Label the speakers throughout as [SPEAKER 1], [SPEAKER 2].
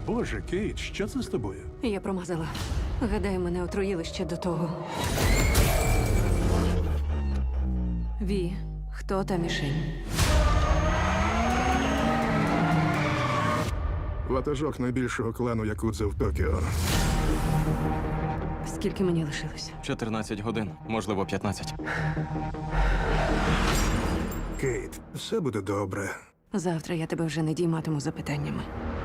[SPEAKER 1] Боже, Кейт, що це з тобою?
[SPEAKER 2] Я промазала. Гадаю, мене отруїли ще до того. Ві, хто та мішень?
[SPEAKER 3] Ватажок найбільшого клану Якудзи в Токіо.
[SPEAKER 2] Скільки мені лишилось?
[SPEAKER 4] 14 годин, можливо, 15.
[SPEAKER 3] Кейт, все буде добре.
[SPEAKER 2] Завтра я тебе вже не дійматиму запитаннями.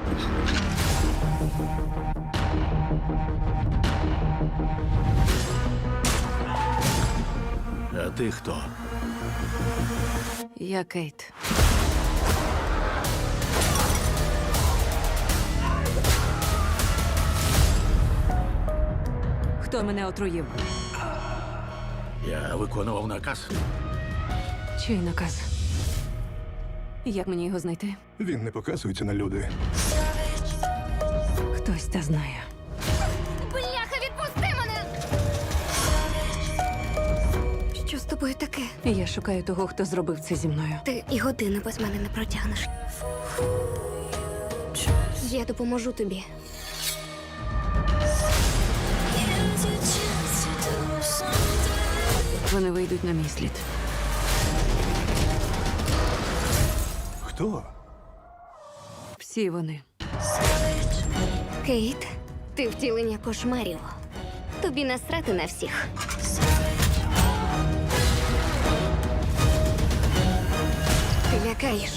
[SPEAKER 5] А ти хто?
[SPEAKER 2] Я Кейт. Хто мене отруїв?
[SPEAKER 5] Я виконував наказ.
[SPEAKER 2] Чий наказ? Як мені його знайти?
[SPEAKER 3] Він не показується на люди.
[SPEAKER 2] Хтось та знає.
[SPEAKER 6] Бляха, відпусти мене! Що з тобою таке?
[SPEAKER 2] Я шукаю того, хто зробив це зі мною.
[SPEAKER 6] Ти і години без мене не протягнеш. Я допоможу тобі.
[SPEAKER 2] Вони вийдуть на мій слід.
[SPEAKER 3] Хто?
[SPEAKER 2] Всі вони.
[SPEAKER 6] Кейт, ти втілення кошмарів. Тобі насрати на всіх. Ти лякаєш.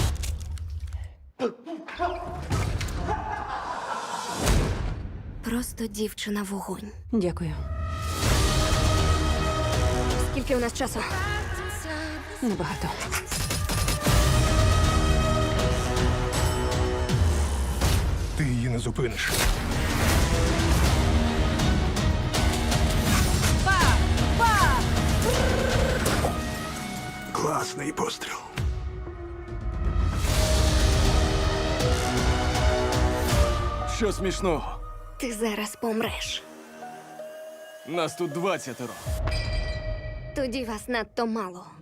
[SPEAKER 6] Просто дівчина вогонь.
[SPEAKER 2] Дякую.
[SPEAKER 6] Скільки у нас часу?
[SPEAKER 2] Небагато.
[SPEAKER 3] Ти її не зупиниш. Класний постріл.
[SPEAKER 4] Що смішного?
[SPEAKER 6] Ти зараз помреш.
[SPEAKER 4] Нас тут 20.
[SPEAKER 6] Тоді вас надто мало.